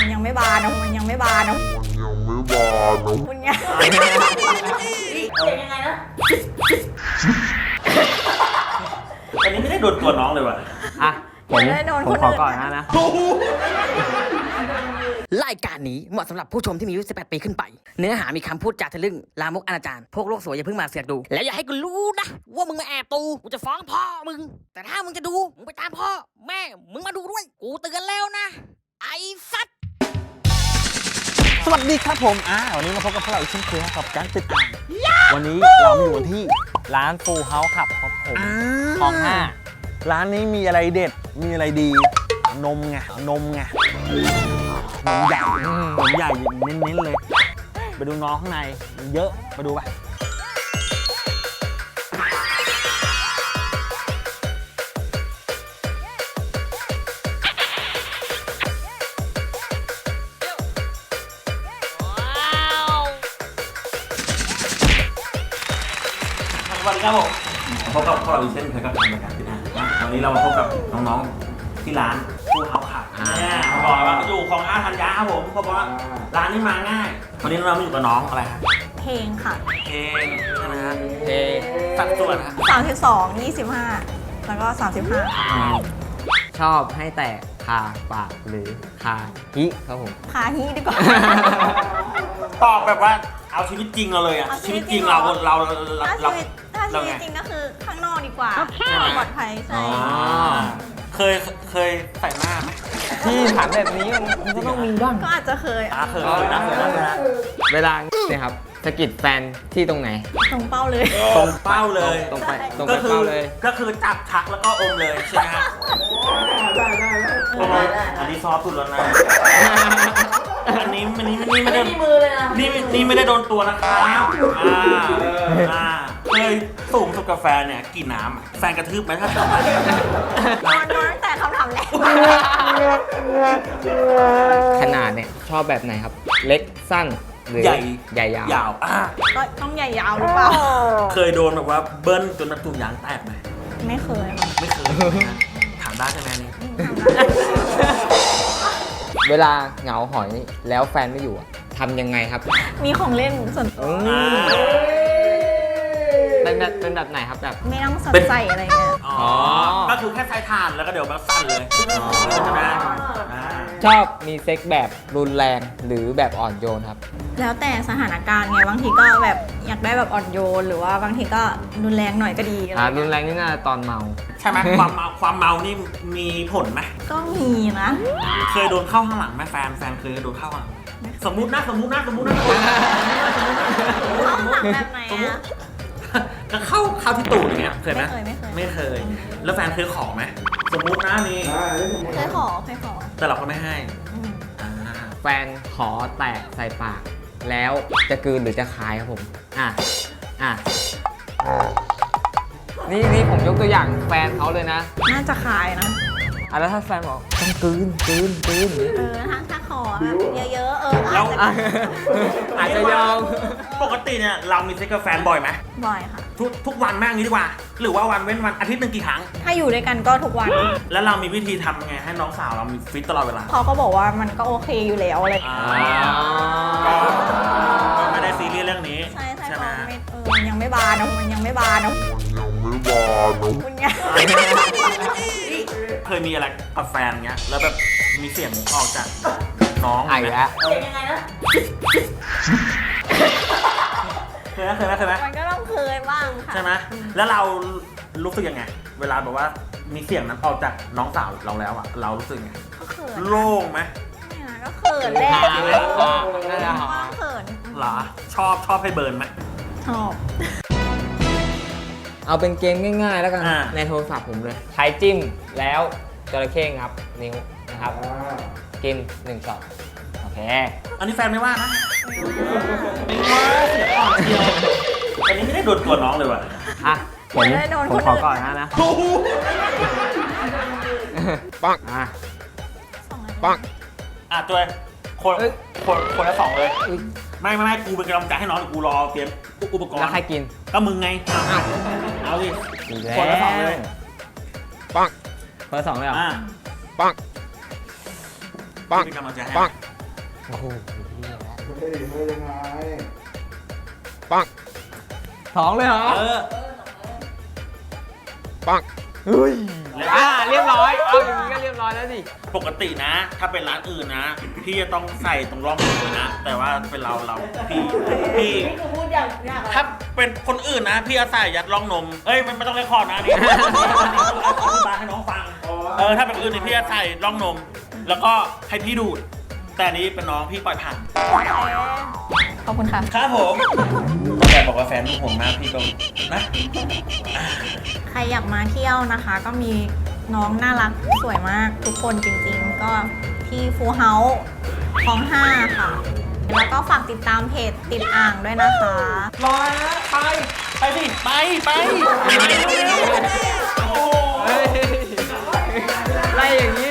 มันยังไม่บานนะมันยังไม่บานนะคุณยังยังไงนะอันนี้ไม่ได้โดนตัวน้องเลยว่ะอ่ะผมขอก่อนนะรายการนี้เหมาะสำหรับผู้ชมที่มีอายุ 18 ปีขึ้นไป เนื้อหามีคำพูดจาทะลึ่งลามกอนาจารพวกโลกสวยอย่าเพิ่งมาเสือกดู แล้วอย่าให้กูรู้นะว่ามึงมาแอบดูกูจะฟ้องพ่อมึง แต่ถ้ามึงจะดูมึงไปตามพ่อแม่มึงมาดูด้วยกูเตือนแล้วนะไอ้สัตว์สวัสดีครับผมวันนี้มาพบกับพวกเราอีกเช่นเคยกับการติดอ่างวันนี้เราอยู่กันที่ร้านฟูเฮาส์ครับผมคลอง5ร้านนี้มีอะไรเด็ดมีอะไรดีนมใหญ่นมใหญ่เน้นๆเลยไปดูน้องข้างในเยอะไปดูไปสวัสดีครับผมพบกับพวกเราอีกเช่นเคยกับรายการติดอ่างวันนี้เรามาพบกับน้องๆที่ร้านฟูเฮาส์ครับบอกว่าอยู่ของธัญญาครับผมเพราะว่าร้านนี้มาง่ายวันนี้เรามาอยู่กับน้องอะไรครับเพลงค่ะเพลงนะฮะเพลงสัดส่วนฮะ 32 25แล้วก็35 ชอบให้แตกคาปากหรือคาฮิครับผมคาฮิดีกว่าตอบแบบว่าเอาชีวิตจริงเราเลยอะชีวิตจริงเราถ้าชีวิตจริงก็คือข้างนอกดีกว่าปลอดภัยใช่เคยใส่หน้าไหมที่ถามแบบนี้มันก็ต้องมีบ้างก็อาจจะเคยเคยนะเวลาเนี่ยครับสะกิดแฟนที่ตรงไหนตรงเป้าเลยตรงเป้าเลยตรงไปเป้าเลยก็คือจับชักแล้วก็อมเลยใช่ไหมฮะได้อันนี้ซอฟสุดแล้วนะอันนี้ไม่ได้มือเลยนะนี่ไม่ได้โดนตัวนะครับเคยสูงสุดกับแฟนเนี่ยกี่น้ำแฟนกระทืบไหมถ้าจำได้นอนตั้งแต่คำถามแรกขนาดเนี่ยชอบแบบไหนครับเล็กสั้นหรือใหญ่ยาวก็ต้องใหญ่ยาวหรือเปล่าเคยโดนแบบว่าเบิ้ลจนถุงยางแตกไหมไม่เคยถามได้ใช่ไหมนี่เวลาเหงาหอยแล้วแฟนไม่อยู่ทำยังไงครับมีของเล่นส่วนตัวเป็นแบบไหนครับแบบไม่ต้องใส่อะไรเงี้ยก็คือแค่ใช้ทานแล้วก็เดี๋ยวมันสั่นเลยชอบมีเซ็กแบบรุนแรงหรือแบบอ่อนโยนครับแล้วแต่สถานการณ์ไงบางทีก็แบบอยากได้แบบอ่อนโยนหรือว่าบางทีก็รุนแรงหน่อยก็ดีรุนแรงนี่น่าตอนเมาใช่ไหมความเมานี่มีผลไหมก็มีนะเคยโดนเข้าข้างหลังไหมแฟนเคยโดนเข้าข้างหลังสมมุตินะเข้าข้างหลังแบบไหนอะก็เข้าที่ตูดอย่างเงี้ยเคยไหมไม่เคยแล้วแฟนเคยขอไหมสมมุตินะนี่เคยขอแต่เราก็ไม่ให้แฟนขอแตกใส่ปากแล้วจะกลืนหรือจะคายครับผมนี่ผมยกตัวอย่างแฟนเขาเลยนะน่าจะคายนะแล้วถ้าแฟนบอกต้องกลืนถ้าขอเยอะเราอาจจะยอมปกติเนี่ยเรามีเซ็กกับแฟนบ่อยไหมบ่อยค่ะทุกวันแม่งนี้ดีกว่าหรือว่าวันเว้นวันอาทิตย์นึงกี่ครั้งถ้าอยู่ด้วยกันก็ทุกวันแล้วเรามีวิธีทำไงให้น้องสาวเรามีฟิตตลอดเวลาเขาก็บอกว่ามันก็โอเคอยู่แล้วอะไรก็ไม่ได้ซีเรียสเรื่องนี้ใช่ไหมมันยังไม่บานนะคุณยังเคยมีอะไรกับแฟนเงี้ยแล้วแบบมีเสียงออกจากน้องไหมยังไงนะเคยไหมมันก็ต้องเคยบ้างค่ะใช่ไหมแล้วเรารู้สึกยังไงเวลาแบบว่ามีเสียงนั้นออกจากน้องสาวเราแล้วเรารู้สึกไงก็เขินโล่งไหมก็เขินแหละเขินเหรอชอบให้เบิร์นไหมชอบเอาเป็นเกมง่ายๆแล้วกันในโทรศัพท์ผมเลยใช้จิ้มแล้วจระเข้งับนิ้วนะครับกิน1 ช็อตโอเคอันนี้แฟนไม่ว่านะไม่ว่าเสียก่อนเดียวอันนี้ไม่ได้โดนตัวน้องเลยว่ะผมขอก่อนนะปังตัวคนละ2เลยไม่กูเป็นกำลังใจให้น้องกูรอเตรียมอุปกรณ์แล้วใครกินก็มึงไงเอาดิคนละ2เลยปังคนละ2เลยเหรอปังเป็นกำลังใจให้โอ้โหเฮ้ยไม่ยังไงท้องเลยเหรอเฮ้ยเรียบร้อย เอาอย่างนี้ก็เรียบร้อยแล้วสิปกตินะ ถ้าเป็นร้านอื่นนะ พี่จะต้องใส่ตรงร่องมือนะ แต่ว่าเป็นเราพี่ถ้าเป็นคนอื่นนะ พี่จะใส่ยัดร่องนมเอ้ยมันไม่ต้องเรียกคอร์ดนะนี่อธิบายให้น้องฟังถ้าเป็นคนอื่นนี่พี่จะใส่ร่องนม แล้วก็ให้พี่ดูด แต่อันนี้เป็นน้องพี่ปล่อยผ่านขอบคุณค่ะครับผมแต่บอกว่าแฟนพี่ห่วงมากพี่ก็นะใครอยากมาเที่ยวนะคะ ก็มีน้องน่ารักสวยมากทุกคนจริงๆ ก็ที่ฟูเฮาส์คลอง 5 ค่ะ แล้วก็ฝากติดตามเพจติดอ่างด้วยนะคะรอนะไปสิไปเร็วๆโอ้โหไล่อย่างนี้